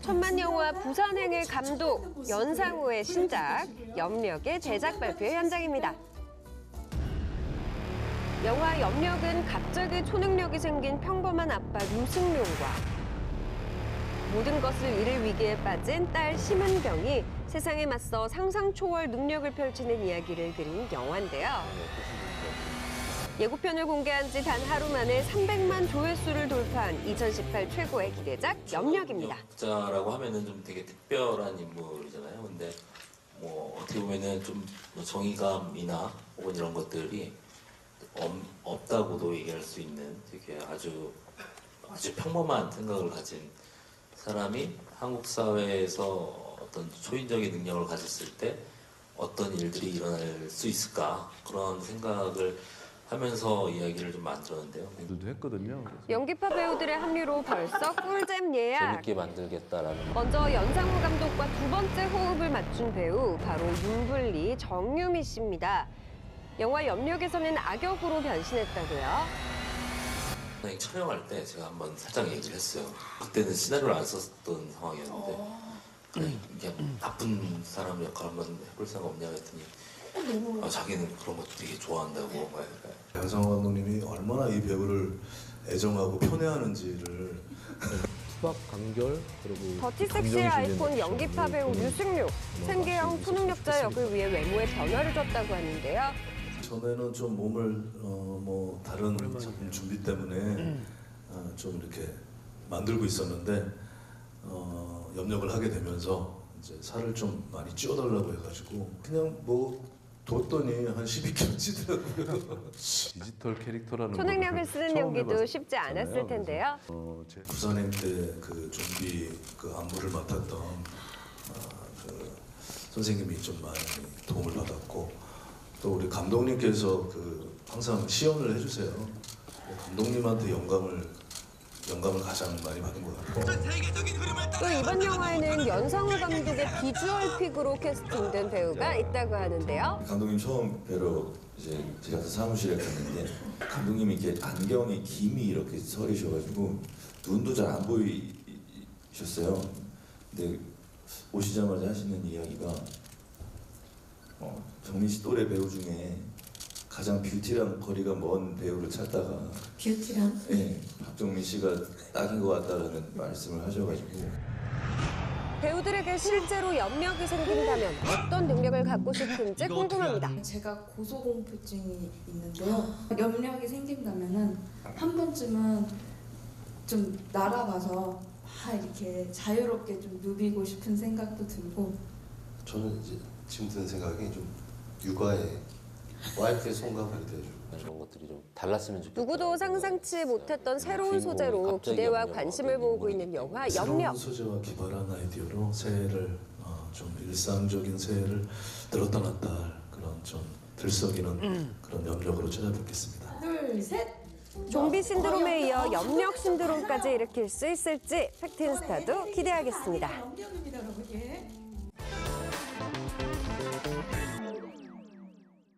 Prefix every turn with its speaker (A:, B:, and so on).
A: 천만 영화 부산행의 감독 연상호의 신작 염력의 제작 발표 현장입니다. 영화 염력은 갑자기 초능력이 생긴 평범한 아빠 유승룡과 모든 것을 잃을 위기에 빠진 딸 심은경이 세상에 맞서 상상 초월 능력을 펼치는 이야기를 그린 영화인데요. 예고편을 공개한 지 단 하루 만에 300만 조회수를 돌파한 2018 최고의 기대작 염력입니다.
B: 역자라고 하면은 좀 되게 특별한 인물이잖아요. 근데 뭐 어떻게 보면은 좀 정의감이나 혹은 이런 것들이 없다고도 얘기할 수 있는 되게 아주 평범한 생각을 가진 사람이 한국 사회에서 어떤 초인적인 능력을 가졌을 때 어떤 일들이 일어날 수 있을까 그런 생각을 하면서 이야기를 좀 만들었는데요.
C: 들도 했거든요.
A: 연기파 배우들의 합류로 벌써 꿀잼 예약.
B: 재밌게 만들겠다라는.
A: 먼저 연상호 감독과 두 번째 호흡을 맞춘 배우 바로 윤블리, 정유미 씨입니다. 영화 염력에서는 악역으로 변신했다고요.
B: 촬영할 때 제가 한번 살짝 얘기를 했어요. 그때는 시나리오를 안 썼던 상황이었는데 그냥 이게 나쁜 사람 역할 한번 해볼 생각 없냐 했더니 자기는 그런 것도 되게 좋아한다고.
D: 연상호 감독님이 얼마나 이 배우를 애정하고 편애하는지를.
C: 수박 간결 그리고
A: 더티 섹시의 아이콘 연기파 배우 유승룡, 생계형 초능력자 역을 위해 외모에 변화를 줬다고 하는데요.
D: 전에는 좀 몸을 다른 작품 준비 때문에 좀 이렇게 만들고 있었는데 염력을 하게 되면서 이제 살을 좀 많이 찌워달라고 해가지고 그냥 뭐 뒀더니 한 12kg 찌더라고요.
C: 디지털 캐릭터라는
A: 초능력을 쓰는 연기도 쉽지 않았을 텐데요.
D: 부산행 때 그 좀비 그 안무를 맡았던 그 선생님이 좀 많이 도움을 받았고 또 우리 감독님께서 그 항상 시연을 해주세요. 감독님한테 영감을 가장 많이 받은 것 같고.
A: 또 이번 영화에는 연상호 감독의 비주얼 픽으로 캐스팅된 배우가 있다고 하는데요.
E: 감독님 처음 뵈러 이제 제작사 사무실에 갔는데 감독님이 이렇게 안경에 김이 이렇게 서리셔가지고 눈도 잘 안 보이셨어요. 근데 오시자마자 하시는 이야기가 정민 씨 또래 배우 중에 가장 뷰티랑 거리가 먼 배우를 찾다가
F: 뷰티랑?
E: 네, 박정민 씨가 딱인 것 같다라는 말씀을 하셔가지고
A: 배우들에게 실제로 염력이 생긴다면 어떤 능력을 갖고 싶은지 궁금합니다.
F: 제가 고소공포증이 있는데요. 염력이 생긴다면은 한 번쯤은 좀 날아가서 이렇게 자유롭게 좀 누비고 싶은 생각도 들고.
G: 저는 이제 지금 드는 생각이 좀 육아에 와이프의 손과 발이 돼줘.
B: 이런 것들이 좀 달랐으면 좋겠다.
A: 누구도 상상치 못했던 새로운 소재로 기대와 관심을 모으고 있는 영화 염력.
D: 새로운 소재와 기발한 아이디어로 새해를 좀 일상적인 새해를 들었다 놨다 할 그런 좀 들썩이는 그런 염력으로 찾아뵙겠습니다.
F: 둘, 셋!
A: 좀비 신드롬에 이어 염력 신드롬까지 일으킬 수 있을지 팩트인스타도 기대하겠습니다.
F: 염력입니다, 여러분. 예.